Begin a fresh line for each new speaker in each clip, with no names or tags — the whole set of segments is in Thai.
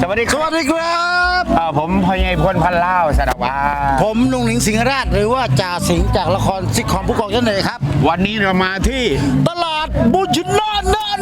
วัสดีครับ
สวัสดีครับ
ผมพญายพลพันเล่าสารวัตร
ผมนุ่งหนิงสิงหราชหรือว่าจ่าสิงห์จากละครซิทคอมผู้กองยันเลยครับ
วันนี้เรามาที่
ตลาดบุญชินอน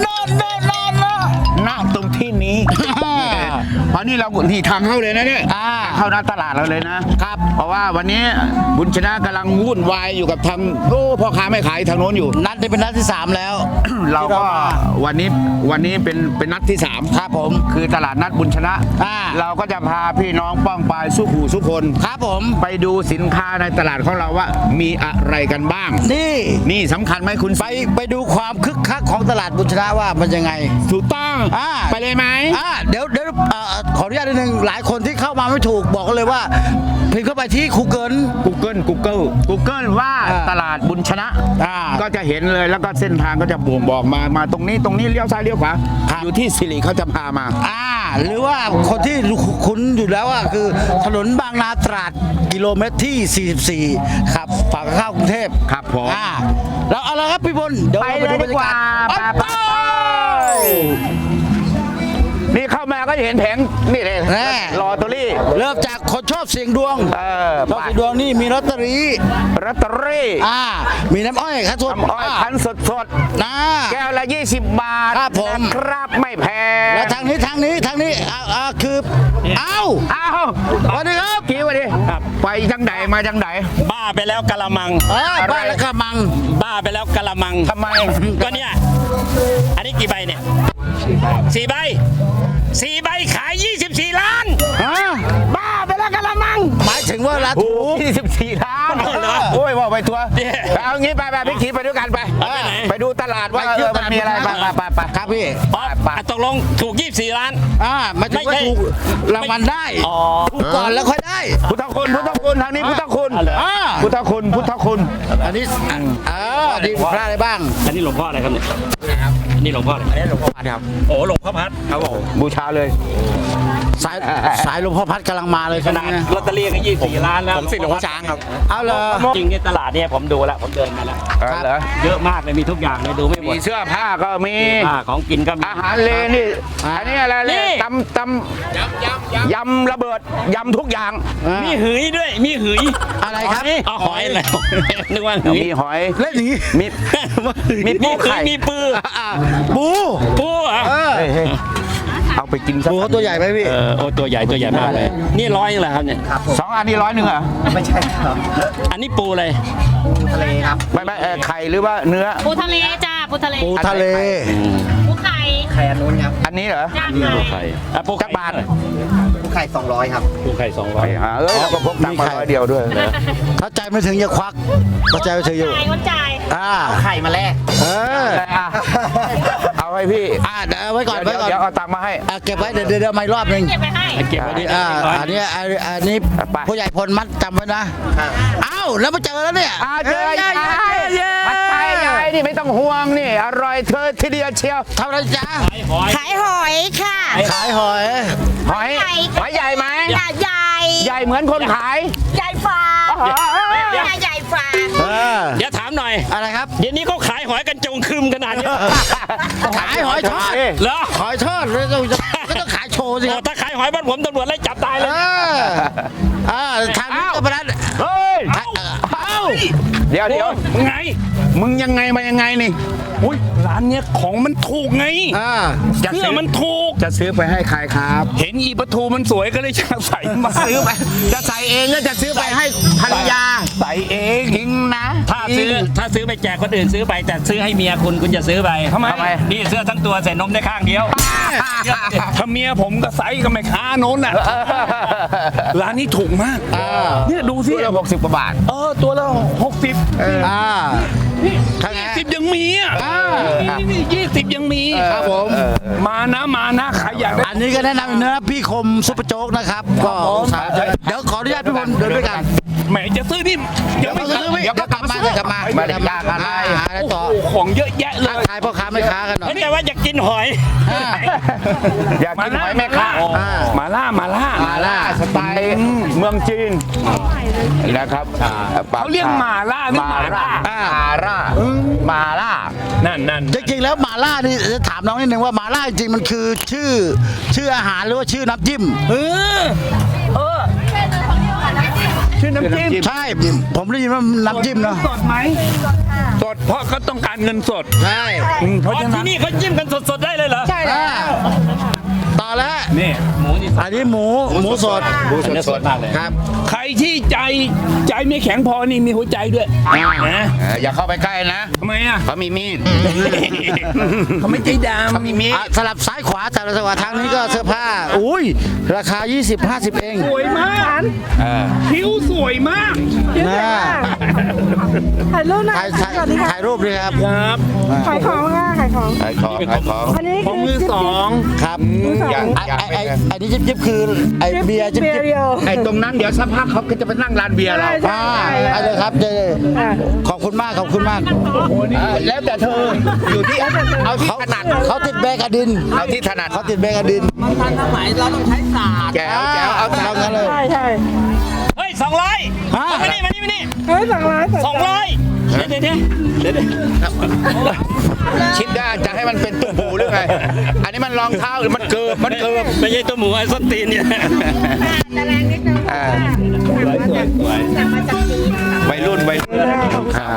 ณตรงที่นี้ เพราะนี่เราที่ทางเข้าเลยนะเนี่ยเข้าหน้าตลาดเราเลยนะครับ เพราะว่าวันนี้บุญชนะกำลังวุ่นวายอยู่กับทางพ่อค้าไม่ขายทางโน้นอยู่
นัดนี้เป็นนัดที่ 3 แล้ว
เราก็วันนี้เป็นนัดที่3
ครับผม
คือตลาดนัดบุญชนะ เราก็จะพาพี่น้องป้องปายสู้หูสู้คน
ครับผม
ไปดูสินค้าในตลาดของเราว่ามีอะไรกันบ้างนี่สำคัญไหมคุณ
ไปดูความคึกคักของตลาดบุญชนะว่ามันยังไง
ถูกต้องไปเลยไหม
เดี๋ยวขออนุญาตนิดนึงหลายคนที่เข้ามาไม่ถูกบอกกันเลยว่าพิมพ์เข้าไปที่ Google
ว่าตลาดบุญชนะก็จะเห็นเลยแล้วก็เส้นทางก็จะบ่งบอกมาตรงนี้เลี้ยวซ้ายเลี้ยวขวาอยู่ที่สิริเขาจะพามา
หรือว่าคนที่คุ้นอยู่แล้วคือถนนบางนาตราดกิโลเมตรที่ 44ครับฝั่งเข้ากรุงเทพ
ครับผม
แล้วเอาละครับพี่บลเดี๋ยวไปดูบรรยากาศ
นี่เข้ามาก็เห็นแผงนี่เลยลอตเตอรี่
เริ่มจากคนชอบเสี่ยงดวงชอบเสี่ยงดวงนี่มีลอตเตอรี่มีน้ำอ้อยคั้นสด
คั้นสดแก้วละ20 บาท
ครับผม
ครับไม่แพง
แล้วทางนี้คือวันนี้ครับ
กี่วันนี้ไปจังไหนมาจังไหน
บ้าไปแล้วกะละมัง
บ้าแล้วกะละมัง
บ้าไปแล้วกะละมัง
ทำไม
ก็เนี่ยอันนี้กี่ใบเนี่ย4 ใบขาย24 ล้าน
บ้าไปแล้วกะละมัง
หมายถึงว่าละถูก
24 ล้านโอ้ยว่าไปทัวร์เอางี้ไปพี่ขี่ไปด้วยกันไปดูตลาดว่ามันมีอะไรไป
ครับพี่
ตกลงถูก24 ล้าน
ไม่ถึงว่าถูกรางวัลได้ถูกก่อนแล้วค่อยได้
พุทธคุณทางนี้พุทธคุณ
อันนี้ดีพระอะไรบ้าง
อันนี้หลวงพ่ออะไรครับเนี่ยนี่หลวงพ่ออะไรอันนี้หลวงพ่อพัดครับโอ้หลวงพ่อพัด
ครับผมบูชาเลย
สายหลวงพ่อพัดกำลังมาเลย
ขนาดลอตเตอรี่ก็24 ล้านแล้ว
ผมสิหลวงพ่อช้างครับ
เอาเลย
จริงในตลาดเนี่ยผมดูแล้วผมเดินมาแล้วเยอะมากเลยมีทุกอย่างเลยดูไม่หมด
มีเสื้อผ้าก็มี
ของกินก็มี
อาหารเลนี่อันนี้อะไรเลยตำยำระเบิดยำทุกอย่าง
มีหืยด้วยมีหืย
อะไรครับ
หอยอะไรนึกว่า
มีหอย
เล่นอย่างนี้
มีปูไข่
มีปู
เอาไปกิน
ปูเขาตัวใหญ่ไหมพี่
โอ้ตัวใหญ่มากเลยนี่100เหรอครับเนี่ย
2 อันนี้100เหรอ
ไม่ใช่ครับอันนี้ปูเลย
ปูทะเลครับไม่ไข่หรือว่าเนื้อ
ปูทะเลจ้าปูทะเล
ปูไ
ข่
อันนู้นครับอันนี้เหรอ
ปูไข่
ปูจักรบาล
ปูไข่200ครับ
ปูไข่200
เราก็พกตังค์มา100 เดียวด้วย
ถ้าใจไม่ถึงอย่าควักถ้าใจไม่ถึงอยู่
จ่าย
ไข่มาแลก
เอาให้พี่
เอาไว้ก่อนเ
ดี๋ยวเอาตังค์มาให้
เก็บไว้เดี๋ยวมาอีกรอบนึง
เก็บไว้ดิ
อันนี้ผู้ใหญ่พลมัดจำไว้นะแล้วมาเจอแล้วเนี่ย
เจอยายผัดไทยยายนี่ไม่ต้องห่วงนี่อร่อยเธอทีเดียวเชียว
ทำอะไรจ๊ะ
ขายหอยค่ะ
ขายหอย
ใหญ่ไหมใหญ่เหมือนคนขาย
ใหญ่ฟาใหญ่ฟา
เดี๋ยวถามหน่อย
อะไรครับ
เดี๋ยวนี้เขาขายหอยกันจงคืมขนาดนี้
ขายหอยทอด
เหรอ
หอยทอดก็ต้องขายโชว์สิ
ถ้าขายหอยบ้านผมตำรวจไล่จับตายเลย
ทางนี้ก็ประดัน
เดี๋ยวมึงยังไงมายังไงนี่
อุ้ยร้านเนี้ยของมันถูกไงเสื้อมันถูก
จะซื้อไปให้ใครครับ
เห็นอีปะทูมันสวยก็เลยจะใส่มา
ซื้อไปจะใส่เองก็จะซื้อไปให้ภรรยา
ใส่เอง
จริงนะ
ถ้าซื้อไปแจกคนอื่นซื้อไปแต่ซื้อให้เมียคุณจะซื้อไป
ทำไม
นี่เสื้อทั้งตัวใส่นมได้ข้างเดียวถ้าเมียผมก็ใส่กับแม่ค้าโน้นน่ะร้านนี้ถูกมากเนี่ยดูสิ
ตัวละ60 กว่าบาท
ตัวละ6020ยังมี20ยังมี
ครับผม
มานะใครอยาก
อันนี้ก็แนะนำเนื้อพี่คมซุปเปอร์โจ๊กนะครับก็เดี๋ยวขออนุญาตพี่พลเดินด้วยกัน
แหมจะซื้อนี่
เดี๋ยวกลับมา
ไม่ได้ยากอะไร
ต่อ
ของเยอะแยะเลย
ขายพ่อค้าแม่ค้ากันหน่อย
ไม่ใช่ว่าอยากกินหอย
อยากกินหอยแม่ค้า
มาล่า
มาล่าสไตล์เมืองจีนนะครับ
เขาเรียกหมาล่าหรือหมาล่า
มาล่า
นั่น
จริงๆแล้วหมาล่านี่จะถามน้องนิดนึงว่าหมาล่าจริงๆมันคือชื่ออาหารหรือว่าชื่อน้ำจิ้ม
ชื่อน้ำจิ้ม
ใช่ ผมได้ยินว่าน้ำจิ้มเนาะ
สดไหมสดเพราะเขาต้องการเงินสด
ใช่
เพราะฉะนั้นที่นี่เขาจิ้มกันสดๆได้เลยเหรอ ใช่
ต่อแล้ว
นี่
อันนี้หมูสด
สดมากเลยครับ
ใครที่ใจไม่แข็งพอนี่มีหัวใจด้วยนะ
อย่าเข้าไปใกล้นะ
ทำไมอ่ะ
เขามีมีด
เขาไม่ใจด
เขามีมีด
สลับซ้ายขวาแต่ละจังหวะทางนี้ก็เสื้อผ้า อุ้ยราคา 20-50 เอง
ำสวยมากผิวสวยมาก
นะ
ถ่ายรูปหน่อย
ถ่ายรูปด้วยครับ
ครับ
ขายของค่ะขายของ
ขายของ
อันนี้
ของมือสอง
ครับ
อย่า
ไอ้นี่จิ๊บๆคือไอ้เบียร์จิ๊บ
เบียร์เดียว
ไอ้ตรงนั้นเดี๋ยวสักพักเขาก็จะไปนั่งร้านเบียร์เรา
ใช่
ๆไปเลยครับเจขอบคุณมากขอบคุณมาก
แล้วแต่เธออยู่ที่เอาที่ถนัด
เขาติดแบกอดิน
เอาที่ถนัด
เขาติดแบกอดิน
แก้วเอา
เอางั้นเลย
ใช่ใช่
เฮ้ย200
ฮะ
มานี่
เฮ้ยสั่งร้าน
200เดี๋ยว
คิดได้จะให้มันเป็นตุ้มหูหรือไง อันนี้มันรองเท้าหรือมันเกิบ
ไม่ใช่ตัวหมูไอ้ส้นตีนเนี่ย
จะแรงนิดนึงสั่งมาจากจีน
วัยรุ่นครับ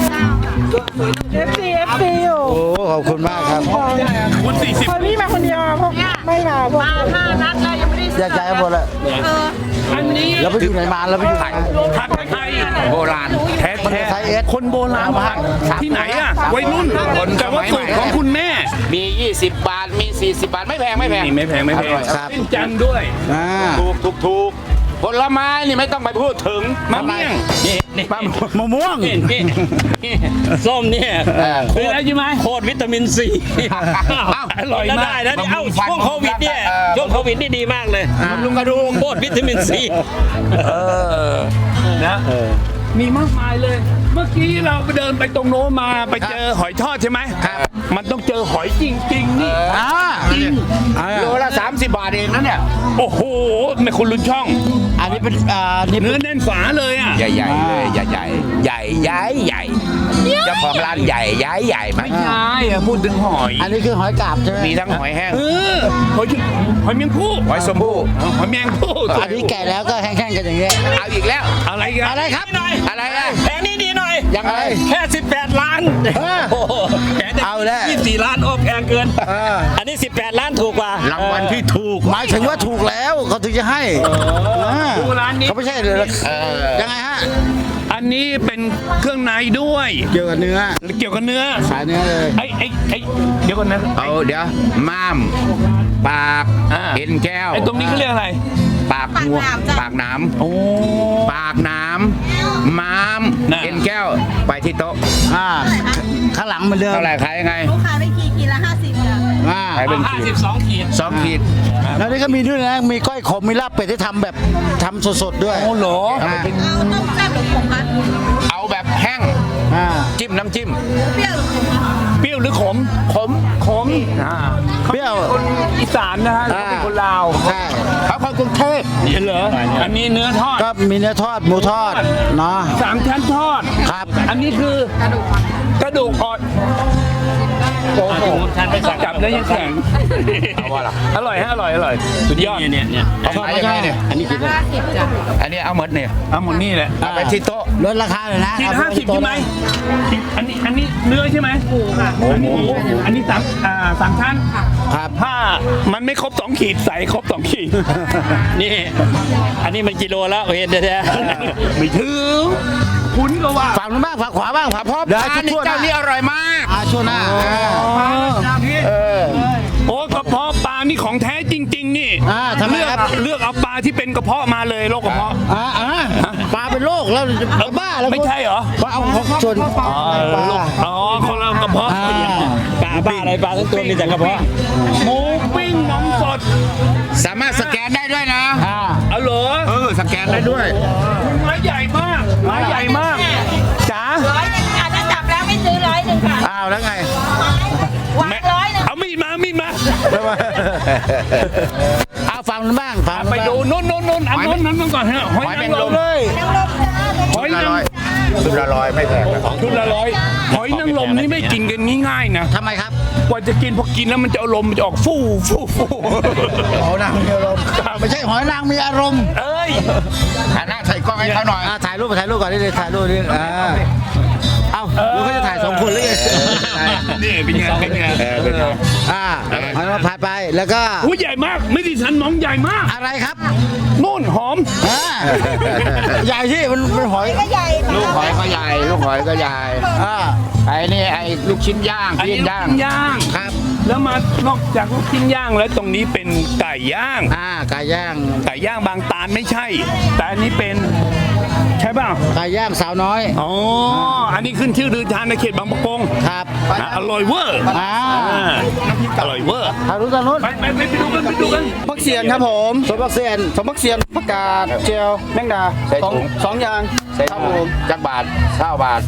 FC อยู่
โอ้ขอบคุณมากครับ
คุณ40
คนนี้มาคนเดียวพวกไม่มาพวก
5 นัดแล้วยังไม่ได้
อยากใจหมดเลย
อันนี้
เราไปอยู่ไหนมาเราไปอยู่ไหน
ผัดไทย
โบราณ
แท้
ไทยเอส
คนโบราณผัดที่ไหนอ่ะวัยรุ่นแต่ว่าสูตรของคุณแม่
มี 20 บาท มี 40 บาท ไม่แพง
นี่ไม่แพง
อร่อยครับ
เป็นจันทร์ด้วย
อ่า
ถูกผลไม้นี่ไม่ต้องไปพูดถึง
มะเมี่ยงนี่
มะม่วง
ส้มเนี่ย
คืออะไรใช่ไหม
โคตรวิตามินซี
อร่อย
แล้ว
มา
ได้
ก
นะนี่เอ้าช่วงโควิดเนี่ยช่วงโควิดนี่ดีมากเลย
ลุงกระดูก
โคตรวิตามินซี
นะมีมากมายเลย เมื่อกี้เราไปเดินไปตรงโน้นมาไปเจอหอยทอดใช่ไหมครับมันต้องเจอหอยจริงๆนี่
โลละ 30 บาทเองนะเนี่ย
โอ้โหไม่คุณลุ้นช่อง
อันนี้เป็นนี่
เนื้อแน่นฝาเลยอ่ะ
ใหญ่ๆเลยใหญ่เจ้าของร้านใหญ่ไหม
ไม่ใช่อะพูดถึงหอย
อันนี้คือหอยกาบใช่ไหม
มีทั้งหอยแห้ง
หอยเมียงผู้
หอยสมบูรณ์
หอยเมียงผู้
อันนี้แก่แล้วก็แห้งๆกันอย่างเงี้ย
เอาอีกแล้ว
อะไรกัน
อะไรครับ
หน่อย
อะไรอ่ะ
แผงนี้ดีหน่อย
ยังไง
แค่18 ล้านโอ้โหแผง
เอาแล้ว
24 ล้านโอ้แพงเกิน อันนี้ 18 ล้านถูกกว่า
รางวัลที่ถูก
หมายถึงว่าถูกแล้วเขาถึงจะให้
ดูร้านนี้
เขาไม่ใช่เลย ยังไงฮะ
อันนี้เป็นเครื่องในด้วย
เกี่ยวกับเนื้อ
เกี่ยวกับเนื้อ
สายเนื้อเลย
ไอ้เดี๋ยวก่อนนะ
เอาเดี๋ยวม้าม ปาก เอ็นแก้ว
ไอ้ตรงนี้เขาเรียกอะไร
ปากหัวปากหน้
โอ้
ำปากหน้ำม้าม
น่ะ
เอ็นแก้ว ไปที่โต๊ะ
ข้างหลังเหมือนเดิม
เท่าไหร่ขายยังไง
ลูกค้าได้ขีดละ50จ้ะ
ขายเป็นขีด
52 ขีด
2 ขีด
แล้วนี่ก็มีด้วยนะ มีก้อยขม มีลาบเป็ดที่ทำแบบทำสดๆด้วย
โอ้โห
อ่า
เอาต้มแซ่บหรือผงคะ
เอาแบบแห้ง
อ่า
จิ้มน้ำจิ้ม
เปรี้ยวหรือขมคะ
เปรี้ยวหรือขม
ขม
ขม
เปรี้ยว
คนอีสานนะฮะเขาเป็นคนลาว
ใช่
เขาคนกรุงเทพ
เห็นเหรออันนี้เนื้อทอด
ก็มีเนื้อทอด หมูทอด เนาะ
3 ชั้นทอด
ครับ
อันนี้คือกระดูกอ่อนโอ้โหจับแล้วยังแข็ง
เอาว่าล่ะ
อร่อยฮะอร่อยสุดยอดเนี่ย
เอาขายยังไงเนี่ย
อันนี้กินได้
50จ้ะ
อันนี้เอาหมดเนี่ย
เอาหมดนี่แหละ
เอาไปที่โต๊ะ
ลดราคาเลยนะ
ขีด
เอาป
50ใช่ไหมอันนี้เนื้อใช่ไหมหมูค่ะอันนี้สามชั้น
ครับ
ถ้ามันไม่ครบ2 ขีดใส่ครบ2 ขีด
นี่ อันนี้มันกิโลแล้วเห็นแท้
ไม่ถึงคุณก็ว่า
ฝั่งนู้นบ้างฝั่งขวาบ้างฝั่ง
พ่อ
เดี๋ยว
ปลา
ให้
นี่
ทั่วๆห
เจ้า
น้า
นี่อร่อยมาก
ช่วงหน้า
โอ้กระเพาะปลานี่ของแท้จริง ๆ นี่
ทำไมครับ
เลือกเอาปลาที่เป็นกระเพาะมาเลยโรคกระเพาะ
ปลาเป็นโรคแล้วจะบ้าแล้ว
ไม่ใช่เหรอ
ปลาเอาของส่วนปลา
อ๋อคนละกระเพาะ
ๆปลาบ้าอะไรปลาทั้งตัวมีแต่กระเพาะ
หมูปิ้งน้ำสด
สามารถสแกนได้ด้วยนะ
เอาเหรอ
สแกนได้ด้วย
ไม้ใหญ่มากไม้ใหญ่มากจ๋า
100อาจจะจับแล้วไม่ซื้อ100ค่ะ
อ้าวแล้วไง
วาง100
เอามีดมา
เอาฟังนู้นบ้างฟังนู้น
ไป
บ้าง
ดูนู่นเอานู่นก่อนฮะหอยนางรม
เลย
หอยนางรม
ชุดละร้อยไม่แพงนะ
ชุดละร้อยหอยนางรมนี่ไม่กินกันง่ายๆนะ
ทำไมครับ
กว่าจะกินพอกินแล้วมันจะอารมณ์มันจะออกฟู่
หอยนางมีอารมณ์ไม่ใช่หอยนางมีอารมณ์
เอ้ย
หันหน้าใส่กล้องให้เขาหน่อย
ถ่ายรูปก่อนนี่เลยถ่ายรูปนี่เอ้าแล้วเขาจะถ่าย2 คนหรือไง
นี่เป็นไง
เป็นไง
หอยนางรมพายไปแล้วก็
หูใหญ่มากไม่ดิฉันมองใหญ่มาก
อะไรครับ
นู่นหอม
ใหญ่ที่มันเป็นหอย
ก็ใหญ่
ลูกหอยก็ใหญ่ ลูกหอยก็ใหญ่ ไอ้นี่ไอ้ลูกชิ้นย่าง
อันนี้
ปิ้ง
ลูก
ย่าง
ชิ้นย่าง
ครับ
แล้วมานอกจากลูกชิ้นย่างแล้วตรงนี้เป็นไก่ย่าง
ไก่ย่าง
ไก่ย่างบางตาลไม่ใช่ แต่อันนี้เป็นใช่เปล่า
ไก่ย่างสาวน้อย
อ๋ออันนี้ขึ้นชื่อลือทานในเขตบางประกง
ครับ
อร่อยเวอร์อร่อยเวอร์
ทางนู้นทางนู้น
ไปดูกัน
พักเสียนครับผมสมพักเสียนสมพักเสียนผักกาดเจียวแมงดา
ใส่ถุง
สองอย่าง
ใส่ถุงจักบาท9 บาท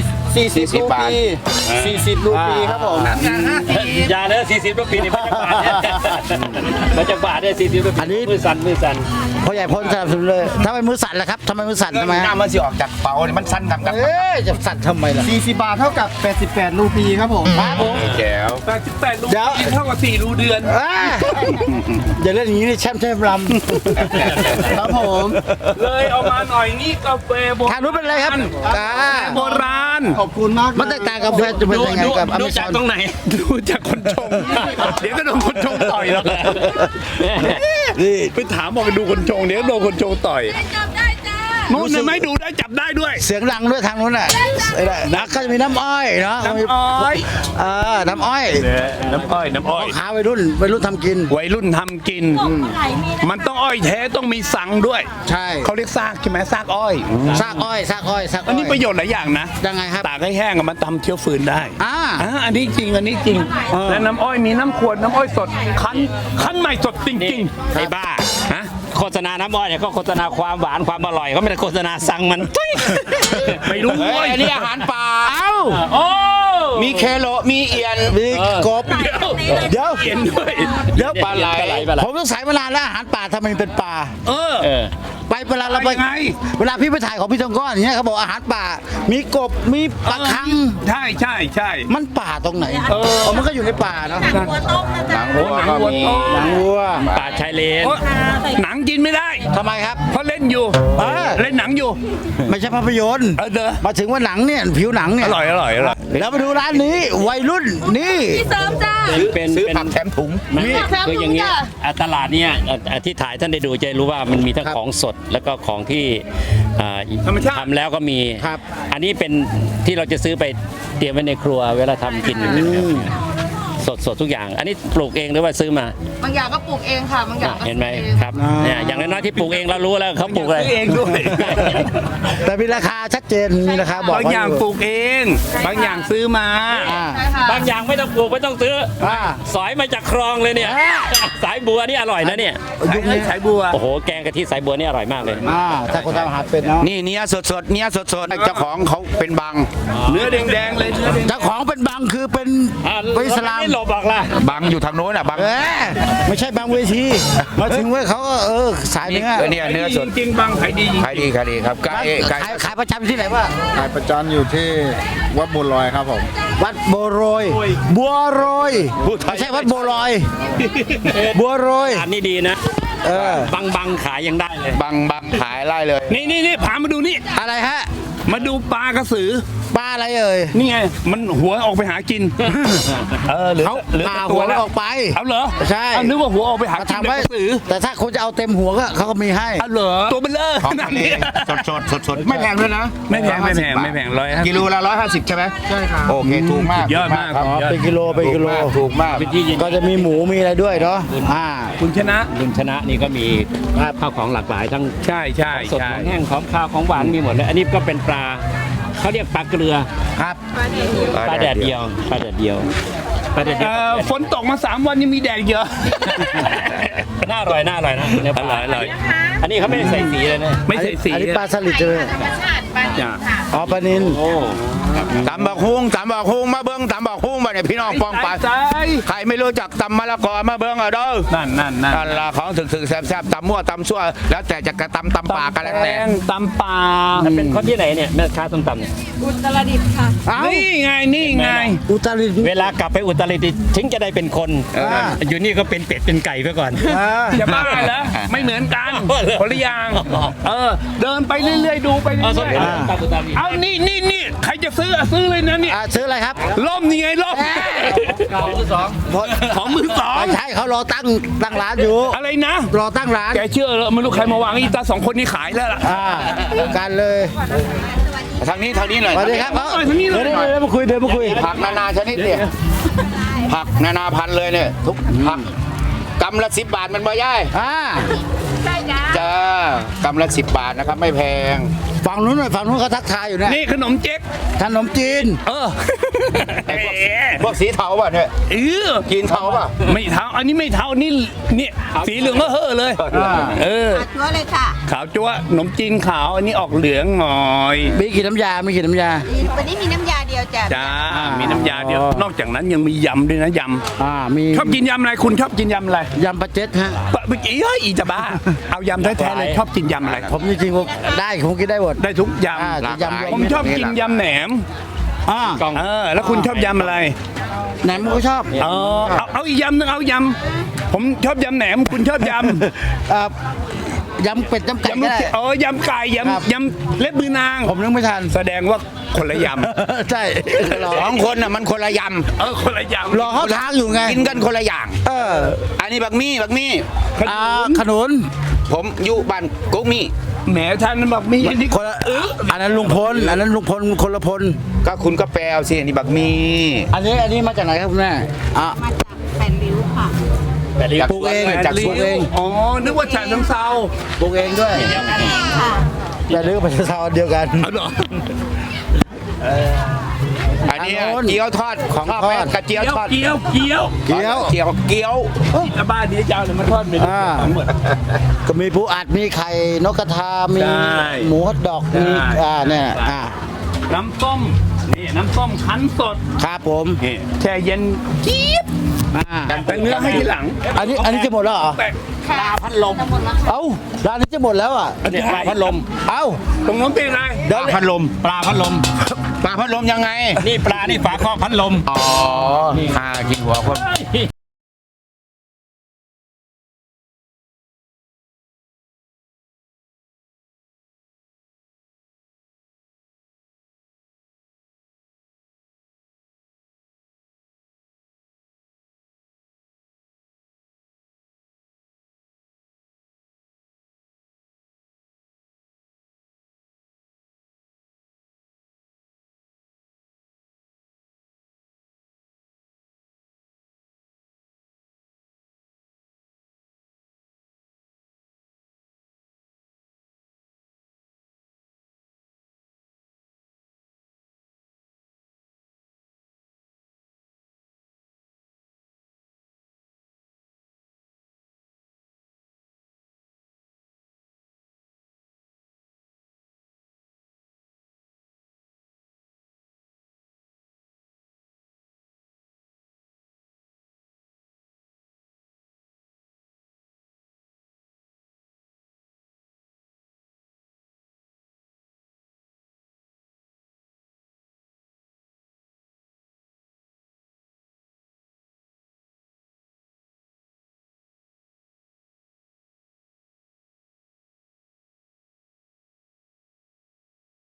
40
รูปี
40 รูปีครับผม
อย่าเลย40 รูปีนี่มาจากบาทเนี่ย40 รูปี
อันนี้
มือสั่น
พ่อใหญ่พ้นสนับสนุนเลยทำไมมือสั่นล่ะครับทำไมมือสั่นทำไม
หน้ามันสิออกจากเป๋านี่มันสั้นกับ
จะสั่นทำไมล่ะ
40 บาทเท่ากับ 88 รูปีครับผม
ครับผม
แจ๋ว
88รู
เดี๋ยว
เท่ากับ4รูเดือน
อย่าเล่นอย่างนี้นี่แช่มลำครับผม
เลยเอามาหน่อยนี่กาแฟโบราณ
ทางนู้นเป็นอะไรครับ
โบราณ
ขอบคุณมาก
มันแตกต่างกับแฟนจะเป็นยังไงกับอเม
ดู
ซ
จา
อก น
ตรงไหน
ดูจากคนชง เดี๋ยวก็โดนคนชงต่อยแล้ว
นี่
ไปถามบอกไปดูคนชงเดี๋ยวโดนคนชงต่อย
จับได้จ้า
นู่นไม่ดูได้จับได้ด้วย
เสียงดังด้วยทางนู้นน่ะนะก็จะมีน้ำอ้อยเนาะ
น้ำอ้อย
น้ำอ้อย
น้ำอ้อย
ขาวัยรุ่นทำกิน
วัยรุ่นทำกิน มันต้องอ้อยแท้ต้องมีสังด้วย
ใช่
เขาเรียกซากใช่ไหมซากอ้อย
ซากอ้อย
อันนี้ประโยชน์หลายอย่างนะ
ยังไงครับ
ตากให้แห้งอะมันทำเชื้อฟืนได้ อันนี้จริงและน้ำอ้อยมีน้ำขวดน้ำอ้อยสดคั้นใหม่สดจริงๆ
ไอ้บ้า
ฮะ
โฆษณาน้ำอ้อยเนี่ยก็โฆษณาความหวานความอร่อยเขาไม่ได้โฆษณาสั่งมัน
ไม่รู้
เฮ้
เว้
ย
ย
อันนี้อาหารป่า
โอ้
มีเคโลมีเอียน
มีกบ เดี๋ยว
เขียนด้วย
เดี๋ยว
ปลาไหล
ผมต้องสายมานานแล้วอาหารป่าทำไมมันเป็นป่า
เออ
ไปเวลาเราไป
ยังไง
เวลาพี่ไปถ่ายของพี่ทองก้อนอย่างเงี้ยเขาบอกอาหารป่า มีกบมีปลาคัง
ใช่
มันป่าตรงไหนมันก็อยู่ในป่าเนาะ
หนังหัวต้มนะ
ห
จ๊ะ
นังวัวก็มี
หนังวัว
ป่าชายเลน
โอ๊ยหนังกินไม่ได้
ทำไมครับ
เพราะเล่นอยู่ เล่นหนังอยู่
ไม่ใช่ภาพยนตร์
เด้อ
มาถึงว่าหนังเนี่ยผิวหนังเนี่ย
อร่อย
แล้วมาดูร้านนี้วัยรุ่นนี่
พี่เสริมจ้า
ซื้อผักแถมถุง
มัน
ครับ
คืออย่างเงี้ย
จ้ะ
ตลาดเนี่ยที่ถ่ายท่านได้ดูจะรู้ว่ามันมีทั้งของสดแล้วก็ของที่
ธรรมชาติ
ทำแล้วก็มี
ครับ
อันนี้เป็นที่เราจะซื้อไปเตรียมไว้ในครัวเวลาทำกินสดทุกอย่าง อันนี้ปลูกเองหรือว่าซื้อมา
บางอย่างก็ปลูกเองค่ะ บางอย่างก็
เห็นไหมครับเนี่ยอย่างน้อยๆที่ปลูกเองเรารู้แล้วเขาปลูกอะไร
ซื้อเองด้วย
แต่มีราคาชัดเจนมีราคาบอก
บางอย่างปลูกเอง บางอย่างซื้อมา
ใช่ค่ะ
บางอย่างไม่ต้องปลูกไม่ต้องซื้อ สอยมาจากคลองเลยเนี่ย สายบัวนี่อร่อยนะเนี่ย
ยุคนี้
สายบัว
โอ้โหแกงกะทิสายบัวนี่อร่อยมากเลย
ถ้าคนทำอาหารเป็นเนาะ
นี่เนื้อสดเจ้าของเขาเป็นบัง
เนื้อแดงๆเลยเนื้อแดง
เจ้าของเป็นบังคือเป็นอิสลาม
ไม่หลบหรอกล่ะ
บังอยู่ทางโน้นอ่ะบัง
ไม่ใช่บางเวทีมาถึงเว้ยเขาก็สายเนื้อ
เนี่ยเนื้อสด
จริงๆบางขายดีจริง
ขายดีครับไก่
ขายประจำที่ไหนวะ
ขายประจำอยู่ที่วัดบุญลอยครับผม
วัดบัวโรยบัวโรยไม่ใช่วัดบัวลอยบัวโรย
อันนี้ดีนะ บังขายยังได้เลย
บังขายไล่เลย
นี่พามาดูนี่
อะไรฮะ
มาดูปลากระสือ
ปลาอะไรเอ่ย
นี่ไง มันหัวออกไปหากิน เหลือ
เขา
เหลือ
ปลา
แต่
หัว
แล้ว
ออกไป
เอาเหรอ
ใช่
เอานึกว่าหัวออกไปหา
มา
กิน
ทำไว้
แต่กระสือ
แต่ถ้าคุณจะเอาเต็มหัวก็เขาก็มีให้
เอาเหรอตัวเบลเลอร์
ของ
ขนา
ทะ
ด
เล
นี้
สดไม่แพงด้วยนะ
ไม่แพง150
กิโลละ150ใช่ไหมใช่ครับโอเคถูกมาก
ยอดมาก
ครับ
ยอด
เป็นกิโลเป็นกิโล
ถูกมาก
เป็นที่ยิน
ก็จะมีหมูมีอะไรด้วยเนาะ
คุณชนะ
ลุงชนะนี่ก็มีข้าวของหลากหลายทั้ง
ใช่
สดของแห้งของข้าวของหวานมีหมดเลย อันนี้ก็เป็นปลาเขาเรียกปลาเกลือ
ครับ
ปลาแดดเดียวปลาแดดเดียวปลาแดดเดียว
ฝนตกมา3 วันยังมีแดดเยอะ
น่าอร่อยนะเนื้อปลาอร่อยอันนี้เขาไม่ได้ใส่สีเลยนะ
ไม่ใส่สี
อันนี้ปลาสลิดใช่ไหม
ธรรมชาติปลาดิบค่ะ
อ๋อปลานิน
โอ้
ตำบักฮุ้งมาเบิ้งตำบักฮุ้งมาเนี่ยพี่น้องปองไปใครไม่รู้จักตำมะละกอมาเบิ้งอ่ะเด้อ
นั่น
นั่นละของถึกแซ่บๆตำมั่วตำซั่วแล้วแต่จะกระตำปากกันแล้วแต่
ตำป่า
มันเป็นคนที่ไหนเนี่ยแม่ค้าส้มตำเนี่ย
อุตรดิตถ์ค่ะ
นี่ไง
อุตรดิตถ์
เวลากลับไปอุตรดิตถ์ถึงจะได้เป็นคน อยู่นี่ก็เป็นเป็ดเป็นไก่ไปก่อน
จะบ้าเหรอไม่เหมือนกันคนละอย่างเดินไปเรื่อยๆดูไปเรื่อยๆเอานี่ใครจะซื้อซื้อเลยนะนี่
ซื้ออะไรครับ
ล่มนี่ไงล่มของมือสอง
ไม่ใช่เขารอตั้งร้านอยู่
อะไรนะ
รอตั้งร้าน
แกเชื่อเหรอไม่รู้ใครมาวางอีตาสองคนนี้ขายแล้วล่ะ
กันเลย
ทางนี้หน่อย
สวัสดีครับ
เอาทางนี้เลย
เดินมาคุย
ผักนานาชนิดเนี่ยผักนานาพันธุ์เลยเนี่ยทุกผักกำละ10 บาทมันบ่ย่าย
ใช่จ้า
จ้ากำละ10 บาทนะครับไม่แพง
ฝั่งนู้นเขาทักทายอยู่เนี่ย
นี่ขนมเจ๊ก
ขนมจีน
พวกสีเทาป่ะเนี่ย กินเทาป่ะ
ไม่เท้าอันนี้ไม่เท้านี่สีเหลืองก็เฮ่อเลย
ชัวร์เลยค่ะ
ขาวจั๊วขนมจีนขาวอันนี้ออกเหลืองหน่อย
มีกี่น้ำยา
วันนี้มีน้ำยาเดียวจ้ะ
จ้ามีน้ำยาเดียวนอกจากนั้นยังมียำด้วยนะย
มี
ำชอบกินยำอะไรคุณชอบกินยำอะไร
ยำปลาเจ็ดฮะ
เมื่อกี้อีจะบ้าเอายำแท้ๆเลยชอบกินยำอะไร
ผมจริงๆผมได้ผมกินได้หมด
ได้ทุกย
อ่า
ำ
ยำ
ผมชอบกินยำแหนม แล้วคุณชอบยำอะไร
ไหนมึงก็ชอบ
เอาอีกยำนึงเอายำผมชอบยำแหนมคุณชอบยำ
ยำเป็ดยำไก่
ยำ
ก็
ลูก
ได้
ยำไก่ยำเล็บมือนาง
ผมนึกไม่ทัน
แสดงว่าคนละย
ใช่
สองคนน่ะมันคนละย
ำคนละยำ
รอเขาทางอยู่ไง
ำกินกันคนละอย่าง อันนี้บักมี่
ขนุน
ผมอยู่บ้านกุ๊กมี่
แหมท่านนั้นบอกมีอันนี้
คนละอันนั้นลุงพลคนละพล
ก็คุณก็แปลเอาสิอันนี้บักมี่
อันนี้มาจากไหนครับคุณแม่
มาจากแผ่นริ้วค่ะ
ปลูกเอง
จากสวน
อ๋อนึกว่าฉะเชิงเซา
ปลูกเองด้วย
นั่นเองค่ะ
แต่เรื่องประชาชนเดียวกัน
เอาเหรอ
อันนี้เกี๊ยวทอดของทอดกระเจียวทอด
เกี๊ยว
เกี๊ยว
เกี๊ยว
ที่บ้านนี้จะเอาอะไรมาทอดเป็นทั้งหมด
ก็มีปูอัดมีไข่นกกระทามี
ใช่
หมูฮอทดอกมี
ใช่
เนี่ย
น้ำส้มนี่น้ำส้มคั้นสด
ครับผม
นี่แช่เย็นจี๊บแต่เนื้อให้ทีหลัง
อันนี้จะหมดแล้วเหรอ
ปลาพัดลม
เอ้าร้านนี้จะหมดแล้วอ่ะ
เนี่ยปลาพัดลม
เอ้า
ตรงนู้นเป็นอะไร
ปลาพัดลม
ปลาพัดลม
ปลาพัดลมยังไง
นี่ปลานี่ฝาครอบพัดลม
อ๋อข้ากินหัวคน